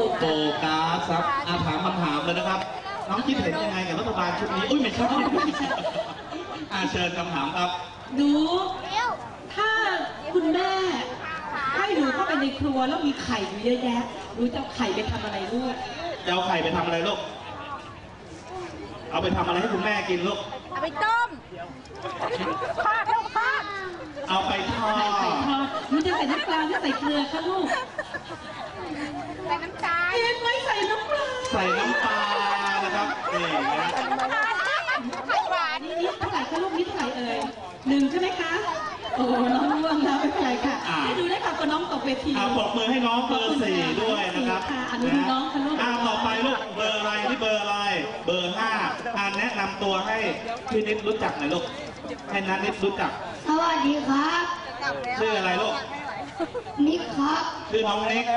โฟกัสครับถามคำถามเลยนะครับน้องคิดเห็นยังไงกับรัฐบาลชุดนี้อุ้ยไม่ใช่เชิญคำถามครับหนูถ้าคุณแม่ให้หนูเข้าไปในครัวแล้วมีไข่อยู่เยอะแยะหนูจะเอาไข่ไปทำอะไรลูกจะเอาไข่ไปทำอะไรลูกเอาไปทำอะไรให้คุณแม่กินลูกเอาไปต้มทอดลูกทอดเอาไปทอดหนูจะใส่น้ำปลาหรือใส่เกลือคะลูกใส่น้ำตาลเห็นไหมใส่น้ำปลาใส่น้ำปลานะครับนี่นะหวานนี่เท่าไหร่คะลูกนี่เท่าไหร่เอ่ย1ใช่ไหมคะโอ้น้องร่วงแล้วไม่เป็นไรค่ะให้ดูได้ค่ะตัวน้องตกเวทีปรบมือให้น้องเบอร์4ด้วยนะครับอนุน้องค่ะลูกต่อไปลูกเบอร์อะไรที่เบอร์อะไรเบอร์5แนะนำตัวให้พี่นิดรู้จักหน่อยลูกให้นัทนิดรู้จักสวัสดีครับชื่ออะไรลูกนิกครับชื่อน้องนิก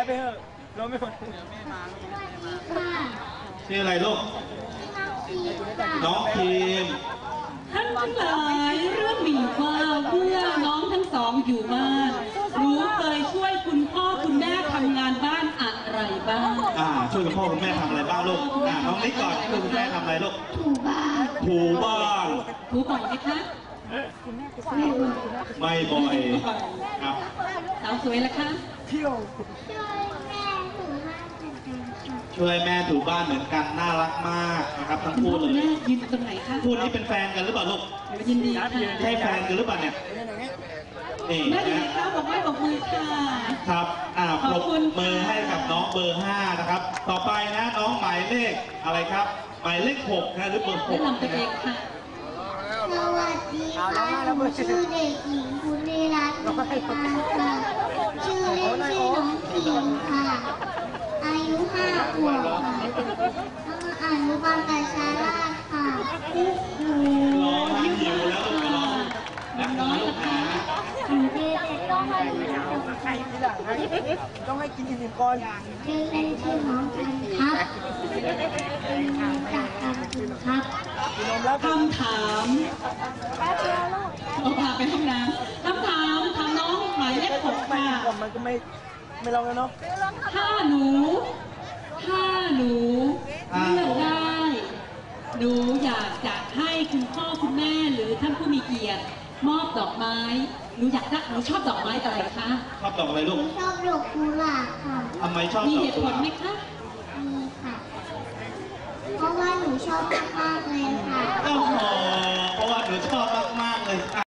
ชื่ออะไรลูกน้องทีมท่านทั้งหลายเรื่องมีว่าเมื่อน้องทั้งสองอยู่บ้านหนูเคยช่วยคุณพ่อคุณแม่ทำงานบ้านอะไรบ้างช่วยคุณพ่อคุณแม่ทำอะไรบ้างลูกน้องนิกก่อนช่วยคุณแม่ทำอะไรลูกถูบ้านถูบ้านถูบ่อยไหมคะไม่บ่อยครับสาวสวยละคะช่วยแม่ถูบ้านเหมือนกันน่ารักมากนะครับทั้งคู่เลยแม่ยืนตรงไหนคะคู่นี้เป็นแฟนกันหรือเปล่าลูกยินดีค่ะใช่แฟนกันหรือเปล่าเนี่ยนี่แม่ดีค่ะบอกให้บอกมือค่ะครับปรบมือให้กับน้องเบอร์5นะครับต่อไปนะน้องหมายเลขอะไรครับหมายเลข6นะหรือเบอร์6 แนะนำตัวเองค่ะสวัสดีค่ะชื่อเด็กหญิงภูริรัตน์ชื่อเล่นชื่อน้องพิมค่ะอายุ5 ขวบค่ะอนุบาลประชาราษฎร์ค่ะรอทำอยู่แล้วน้องนะต้องให้กินอิ่มก่อนชื่อเล่นชื่อน้องกันครับเป็นมาจากการกินครับคำถามพาไปห้องน้ำคำถามถามน้องหมายเลข6ค่ะมันก็ไม่ลองแล้วเนาะถ้าหนูเลือกได้หนูอยากจะให้คุณพ่อคุณแม่หรือท่านผู้มีเกียรติมอบดอกไม้หนูชอบดอกไม้อะไรคะชอบดอกอะไรลูกชอบดอกกุหลาบค่ะทำไมชอบมีเหตุผลไหมคะมีค่ะเพราะว่าหนูชอบมากๆเลยค่ะเพราะว่าหนูชอบมากๆเลย